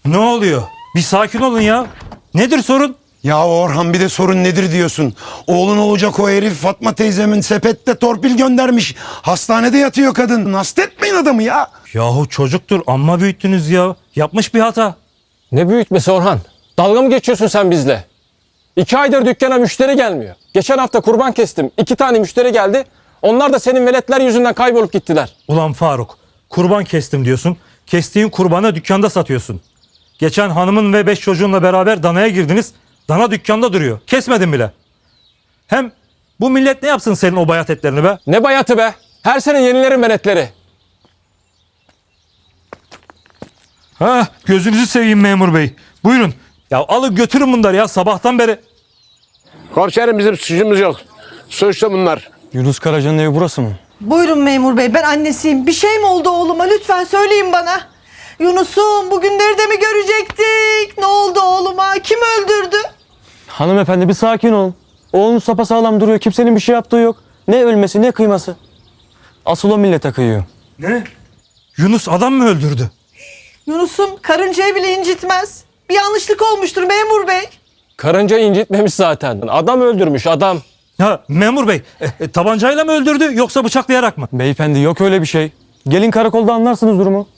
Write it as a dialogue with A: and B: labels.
A: Ne oluyor? Bir sakin olun ya. Nedir sorun?
B: Ya Orhan bir de sorun nedir diyorsun. Oğlun olacak o herif Fatma teyzemin sepette torpil göndermiş. Hastanede yatıyor kadın. Hastetmeyin adamı ya.
A: Yahu çocuktur, amma büyüttünüz ya. Yapmış bir hata.
C: Ne büyütmesi Orhan? Dalga mı geçiyorsun sen bizle? 2 aydır dükkana müşteri gelmiyor. Geçen hafta kurban kestim. 2 tane müşteri geldi. Onlar da senin veletler yüzünden kaybolup gittiler.
A: Ulan Faruk, kurban kestim diyorsun. Kestiğin kurbanı dükkanda satıyorsun. Geçen hanımın ve 5 çocuğunla beraber danaya girdiniz. Dana dükkanda duruyor. Kesmedin bile. Hem bu millet ne yapsın senin o bayat etlerini be?
C: Ne bayatı be? Her sene yenilerin veletleri.
A: Ha, gözünüzü seveyim memur bey. Buyurun. Ya alın götürün bunları ya, sabahtan beri.
D: Komiserim bizim suçumuz yok. Suçlu bunlar.
E: Yunus Karaca'nın evi burası mı?
F: Buyurun memur bey, ben annesiyim. Bir şey mi oldu oğluma? Lütfen söyleyin bana. Yunus'um, bugünleri de mi görecektik? Ne oldu oğluma? Kim öldürdü?
E: Hanımefendi bir sakin olun. Oğlunuz sapasağlam duruyor. Kimsenin bir şey yaptığı yok. Ne ölmesi ne kıyması. Asıl o millete kıyıyor.
A: Ne? Yunus adam mı öldürdü?
F: Yunus'um karıncayı bile incitmez. Bir yanlışlık olmuştur memur bey.
C: Karınca incitmemiş zaten. Adam öldürmüş adam.
A: Ha memur bey, tabancayla mı öldürdü yoksa bıçaklayarak mı?
E: Beyefendi yok öyle bir şey. Gelin karakolda anlarsınız durumu.